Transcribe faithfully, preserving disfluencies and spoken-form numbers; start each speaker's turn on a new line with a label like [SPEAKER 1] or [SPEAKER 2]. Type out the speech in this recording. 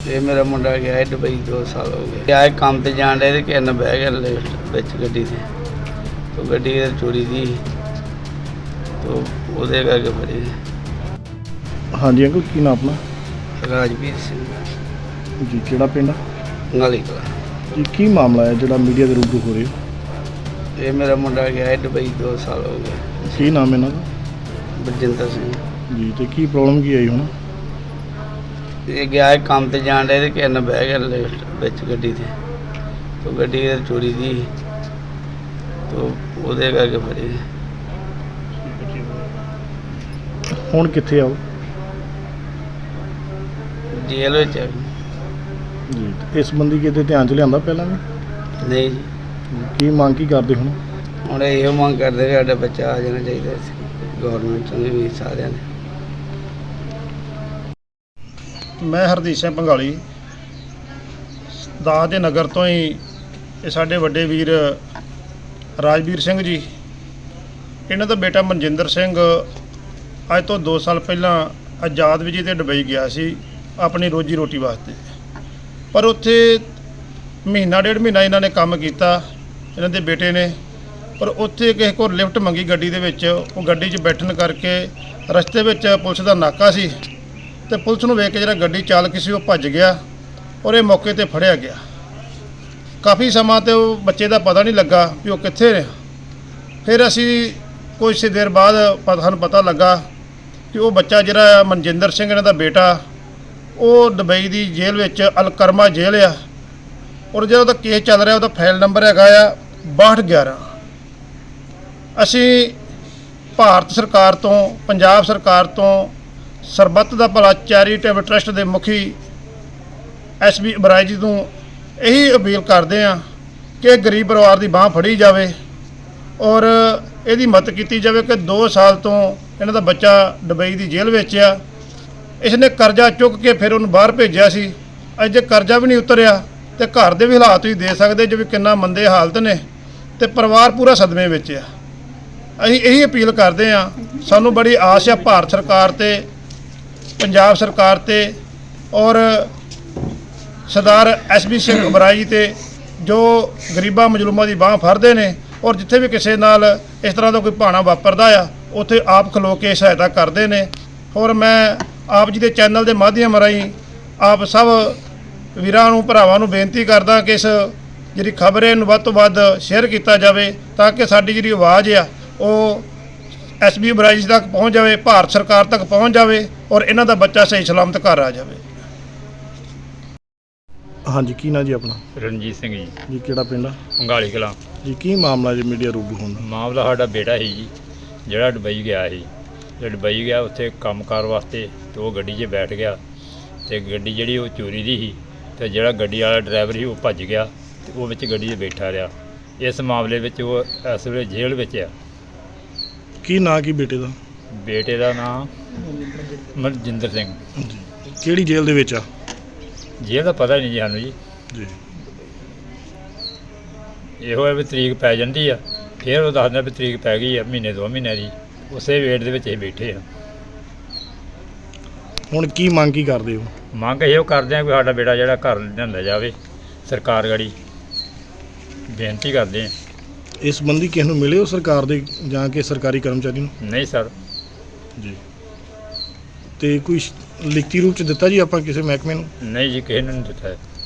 [SPEAKER 1] ये मेरा मुंडा गया है दुबई दो साल हो गए आए काम ते जान रहे थे कि न बह गया लिफ्ट बिच गड्डी से तो गड्डी चोरी थी तो ਉਹਦੇ ਕਰਕੇ ਫੜੀ।
[SPEAKER 2] ਹਾਂਜੀ ਅੰਕਲ ਕੀ ਨਾਮ ਆਪਣਾ?
[SPEAKER 1] ਰਾਜਵੀਰ ਸਿੰਘ
[SPEAKER 2] ਜੀ ਕਿਹੜਾ ਪਿੰਡ?
[SPEAKER 1] ਗਾਲੀ ਕਲਾ।
[SPEAKER 2] ਜੀ ਕੀ ਮਾਮਲਾ ਹੈ ਜਿਹੜਾ ਮੀਡੀਆ ਦੇ ਰੂਬਰੂ ਹੋ ਰਹੇ ਹੋ?
[SPEAKER 1] ਇਹ ਮੇਰਾ ਮੁੰਡਾ ਗਿਆ ਹੈ ਦੁਬਈ ਦੋ ਸਾਲ ਹੋ ਗਏ।
[SPEAKER 2] ਕੀ ਨਾਮ ਇਹਨਾਂ ਦਾ?
[SPEAKER 1] ਬਲਜਿੰਦਰ ਸਿੰਘ
[SPEAKER 2] ਜੀ ਤੇ ਕੀ ਪ੍ਰੋਬਲਮ ਕੀ ਆਈ ਹੁਣ?
[SPEAKER 1] ਇਹ ਗਿਆ ਹੈ ਕੰਮ ਤੇ ਜਾਣ ਰਹੇ ਤੇ ਕਿ ਨਾ ਬਹਿ ਗਿਆ ਲਿਫਟ ਵਿੱਚ ਗੱਡੀ ਤੇ तो ਗੱਡੀ ਚੋਰੀ ਦੀ तो ਉਹਦੇ ਕਰਕੇ ਫੜੀ।
[SPEAKER 2] ਹੁਣ ਕਿੱਥੇ ਆਓ?
[SPEAKER 1] ਜੇਲ੍ਹ ਵਿੱਚ ਹੈ।
[SPEAKER 2] ਜੀ ਇਸ ਸੰਬੰਧੀ ਕਿਤੇ ਧਿਆਨ ਚ ਲਿਆਂਦਾ ਪਹਿਲਾਂ ਵੀ?
[SPEAKER 1] ਨਹੀਂ ਜੀ।
[SPEAKER 2] ਕੀ ਮੰਗ ਕੀ ਕਰਦੇ ਹੁਣ?
[SPEAKER 1] ਹੁਣ ਇਹੋ ਮੰਗ ਕਰਦੇ ਵੀ ਸਾਡਾ ਬੱਚਾ ਆ ਜਾਣਾ ਚਾਹੀਦਾ ਸੀ ਗੌਰਮੈਂਟ ਨੇ ਵੀ ਸਾਰਿਆਂ ਨੇ।
[SPEAKER 2] ਮੈਂ ਹਰਦੀਪ ਸਿੰਘ ਭੰਗਾਲੀ ਦਾਸ ਦੇ ਨਗਰ ਤੋਂ ਹੀ ਇਹ ਸਾਡੇ ਵੱਡੇ ਵੀਰ ਰਾਜਵੀਰ ਸਿੰਘ ਜੀ ਇਹਨਾਂ ਦਾ ਬੇਟਾ ਮਨਜਿੰਦਰ ਸਿੰਘ ਅੱਜ ਤੋਂ ਦੋ ਸਾਲ ਪਹਿਲਾਂ ਆਜ਼ਾਦ ਵਿਜੇ ਤੇ ਦੁਬਈ ਗਿਆ ਸੀ ਆਪਣੀ ਰੋਜੀ ਰੋਟੀ ਵਾਸਤੇ, ਪਰ ਉੱਥੇ ਮਹੀਨਾ ਡੇਢ ਮਹੀਨਾ ਇਹਨਾਂ ਨੇ ਕੰਮ ਕੀਤਾ ਇਹਨਾਂ ਦੇ ਬੇਟੇ ਨੇ, ਪਰ ਉੱਥੇ ਕਿਸੇ ਕੋਲ ਲਿਫਟ ਮੰਗੀ ਗੱਡੀ ਦੇ ਵਿੱਚ। ਉਹ ਗੱਡੀ 'ਚ ਬੈਠਣ ਕਰਕੇ ਰਸਤੇ ਵਿੱਚ ਪੁਲਿਸ ਦਾ ਨਾਕਾ ਸੀ ਤੇ ਪੁਲਿਸ ਨੂੰ ਵੇਖ ਕੇ ਜਿਹੜਾ ਗੱਡੀ ਚਾਲਕ ਸੀ ਉਹ ਭੱਜ ਗਿਆ ਔਰ ਇਹ ਮੌਕੇ ਤੇ ਫੜਿਆ ਗਿਆ। ਕਾਫੀ ਸਮਾਂ ਤੇ ਉਹ ਬੱਚੇ ਦਾ ਪਤਾ ਨਹੀਂ ਲੱਗਾ ਕਿ ਉਹ ਕਿੱਥੇ ਨੇ। ਫਿਰ ਅਸੀਂ ਕੁਝ ਦੇਰ ਬਾਅਦ ਸਾਨੂੰ ਪਤਾ ਲੱਗਾ ਕਿ ਉਹ ਬੱਚਾ ਜਿਹੜਾ ਮਨਜਿੰਦਰ ਸਿੰਘ ਇਹਨਾਂ ਦਾ ਬੇਟਾ ਉਹ ਦੁਬਈ ਦੀ ਜੇਲ੍ਹ ਵਿੱਚ ਅਲਕਰਮਾ ਜੇਲ੍ਹ ਆ ਔਰ ਜਿਹੜਾ ਉਹਦਾ ਕੇਸ ਚੱਲ ਰਿਹਾ ਉਹਦਾ ਫਾਈਲ ਨੰਬਰ ਹੈਗਾ ਆ ਬਾਹਠ ਗਿਆਰਾਂ। ਅਸੀਂ ਭਾਰਤ ਸਰਕਾਰ ਤੋਂ ਪੰਜਾਬ ਸਰਕਾਰ ਤੋਂ ਸਰਬੱਤ ਦਾ ਭਲਾ ਚੈਰੀਟੇਬਲ ਟਰਸਟ ਦੇ ਮੁਖੀ ਐਸ ਬੀ ਬਰਾਜ ਜੀ ਨੂੰ ਇਹੀ ਅਪੀਲ ਕਰਦੇ ਹਾਂ ਕਿ ਗਰੀਬ ਪਰਿਵਾਰ ਦੀ ਬਾਂਹ ਫੜੀ ਜਾਵੇ ਔਰ ਇਹਦੀ ਮਦਦ ਕੀਤੀ ਜਾਵੇ ਕਿ ਦੋ ਸਾਲ ਤੋਂ ਇਹਨਾਂ ਦਾ ਬੱਚਾ ਦੁਬਈ ਦੀ ਜੇਲ੍ਹ ਵਿੱਚ ਆ। ਇਸਨੇ ਕਰਜ਼ਾ ਚੁੱਕ ਕੇ ਫਿਰ ਉਹਨੂੰ ਬਾਹਰ ਭੇਜਿਆ ਸੀ। ਅੱਜ ਜੇ ਕਰਜ਼ਾ ਵੀ ਨਹੀਂ ਉਤਰਿਆ ਤੇ ਘਰ ਦੇ ਵੀ ਹਾਲਾਤ ਤੁਸੀਂ ਦੇ ਸਕਦੇ ਜੋ ਵੀ ਕਿੰਨਾ ਮੰਦੇ ਹਾਲਤ ਨੇ ਤੇ ਪਰਿਵਾਰ ਪੂਰਾ ਸਦਮੇ ਵਿੱਚ ਆ। ਅਸੀਂ ਇਹੀ ਅਪੀਲ ਕਰਦੇ ਹਾਂ, ਸਾਨੂੰ ਬੜੀ ਆਸ ਆ ਭਾਰਤ ਸਰਕਾਰ ਤੇ ਪੰਜਾਬ ਸਰਕਾਰ ਤੇ ਔਰ ਸਰਦਾਰ ਐਸ ਬੀ ਸਿੰਘ ਬਰਾਈ ਤੇ ਜੋ ਗਰੀਬਾਂ ਮਜ਼ਲੂਮਾਂ ਦੀ ਬਾਂਹ ਫੜਦੇ ਨੇ ਔਰ ਜਿੱਥੇ ਵੀ ਕਿਸੇ ਨਾਲ ਇਸ ਤਰ੍ਹਾਂ ਦਾ ਕੋਈ ਭਾਣਾ ਵਾਪਰਦਾ ਆ ਉੱਥੇ ਆਪ ਖਲੋ ਕੇ ਸਹਾਇਤਾ ਕਰਦੇ ਨੇ। ਔਰ ਮੈਂ ਆਪ ਜੀ ਦੇ ਚੈਨਲ ਦੇ ਮਾਧਿਅਮ ਰਾਹੀਂ ਆਪ ਸਭ ਵੀਰਾਂ ਨੂੰ ਭਰਾਵਾਂ ਨੂੰ ਬੇਨਤੀ ਕਰਦਾ ਕਿ ਇਸ ਜਿਹੜੀ ਖਬਰ ਹੈ ਇਹਨੂੰ ਵੱਧ ਤੋਂ ਵੱਧ ਸ਼ੇਅਰ ਕੀਤਾ ਜਾਵੇ ਤਾਂ ਕਿ ਸਾਡੀ ਜਿਹੜੀ ਆਵਾਜ਼ ਆ ਉਹ ਐਸ ਬੀ ਬਰਾਜ ਤੱਕ ਪਹੁੰਚ ਜਾਵੇ, ਭਾਰਤ ਸਰਕਾਰ ਤੱਕ ਪਹੁੰਚ ਜਾਵੇ ਔਰ ਇਹਨਾਂ ਦਾ ਬੱਚਾ ਸਹੀ ਸਲਾਮਤ ਘਰ ਆ ਜਾਵੇ। ਹਾਂਜੀ ਕੀ ਨਾਂ ਜੀ ਆਪਣਾ?
[SPEAKER 3] ਰਣਜੀਤ ਸਿੰਘ ਜੀ।
[SPEAKER 2] ਜੀ ਕਿਹੜਾ ਪਿੰਡ ਆ?
[SPEAKER 3] ਗਾਲੀ ਕਲਾ।
[SPEAKER 2] ਜੀ ਕੀ ਮਾਮਲਾ ਜੀ ਮੀਡੀਆ ਰੂਬਰੂ ਹੁੰਦਾ?
[SPEAKER 3] ਮਾਮਲਾ ਸਾਡਾ ਬੇਟਾ ਸੀ ਜੀ ਜਿਹੜਾ ਦੁਬਈ ਗਿਆ ਸੀ। ਜਿਹੜਾ ਦੁਬਈ ਗਿਆ ਉੱਥੇ ਕੰਮਕਾਰ ਵਾਸਤੇ ਅਤੇ ਉਹ ਗੱਡੀ 'ਚ ਬੈਠ ਗਿਆ ਅਤੇ ਗੱਡੀ ਜਿਹੜੀ ਉਹ ਚੋਰੀ ਦੀ ਸੀ ਅਤੇ ਜਿਹੜਾ ਗੱਡੀ ਵਾਲਾ ਡਰਾਈਵਰ ਸੀ ਉਹ ਭੱਜ ਗਿਆ ਅਤੇ ਉਹ ਵਿੱਚ ਗੱਡੀ 'ਚ ਬੈਠਾ ਰਿਹਾ। ਇਸ ਮਾਮਲੇ ਵਿੱਚ ਉਹ ਇਸ ਵੇਲੇ ਜੇਲ੍ਹ ਵਿੱਚ ਆ।
[SPEAKER 2] ਕੀ ਨਾਂ ਕੀ ਬੇਟੇ ਦਾ?
[SPEAKER 3] ਬੇਟੇ ਦਾ ਨਾਂ ਮਨਜਿੰਦਰ ਸਿੰਘ।
[SPEAKER 2] ਜੀ ਕਿਹੜੀ ਜੇਲ੍ਹ ਦੇ ਵਿੱਚ ਆ?
[SPEAKER 3] ਜੇਲ੍ਹ ਦਾ ਪਤਾ ਨਹੀਂ ਜੀ ਸਾਨੂੰ ਜੀ।
[SPEAKER 2] ਜੀ
[SPEAKER 3] ਇਹੋ ਹੈ ਵੀ ਤਰੀਕ ਪੈ ਜਾਂਦੀ ਆ ਫਿਰ ਉਹ ਦੱਸਦਾ ਵੀ ਤਰੀਕ ਪੈ ਗਈ ਆ ਮਹੀਨੇ ਦੋ ਮਹੀਨੇ ਦੀ, ਉਸੇ ਵੇਟ ਦੇ ਵਿੱਚ ਅਸੀਂ ਬੈਠੇ ਆ।
[SPEAKER 2] ਹੁਣ ਕੀ ਮੰਗ ਕੀ ਕਰਦੇ ਹੋ?
[SPEAKER 3] ਮੰਗ ਇਹੋ ਕਰਦੇ ਆ ਕਿ ਸਾਡਾ ਬੇਟਾ ਜਿਹੜਾ ਘਰ ਲਿਆਂਦਾ ਜਾਵੇ। ਸਰਕਾਰ ਗਾੜੀ ਬੇਨਤੀ ਕਰਦੇ ਆ।
[SPEAKER 2] ਇਸ ਸੰਬੰਧੀ ਕਿਸ ਨੂੰ ਮਿਲੇ ਹੋ ਸਰਕਾਰ ਦੇ ਜਾਂ ਕਿ ਸਰਕਾਰੀ ਕਰਮਚਾਰੀ ਨੂੰ?
[SPEAKER 3] ਨਹੀਂ ਸਰ
[SPEAKER 2] ਜੀ ਤੇ ਕੋਈ ਲਿਖਤੀ ਰੂਪ ਚ ਦਿੱਤਾ ਜੀ ਆਪਾਂ ਕਿਸੇ ਮਹਿਕਮੇ ਨੂੰ?
[SPEAKER 3] ਨਹੀਂ ਜੀ ਕਿਸੇ ਨੂੰ ਨਹੀਂ ਦਿੱਤਾ ਹੈ।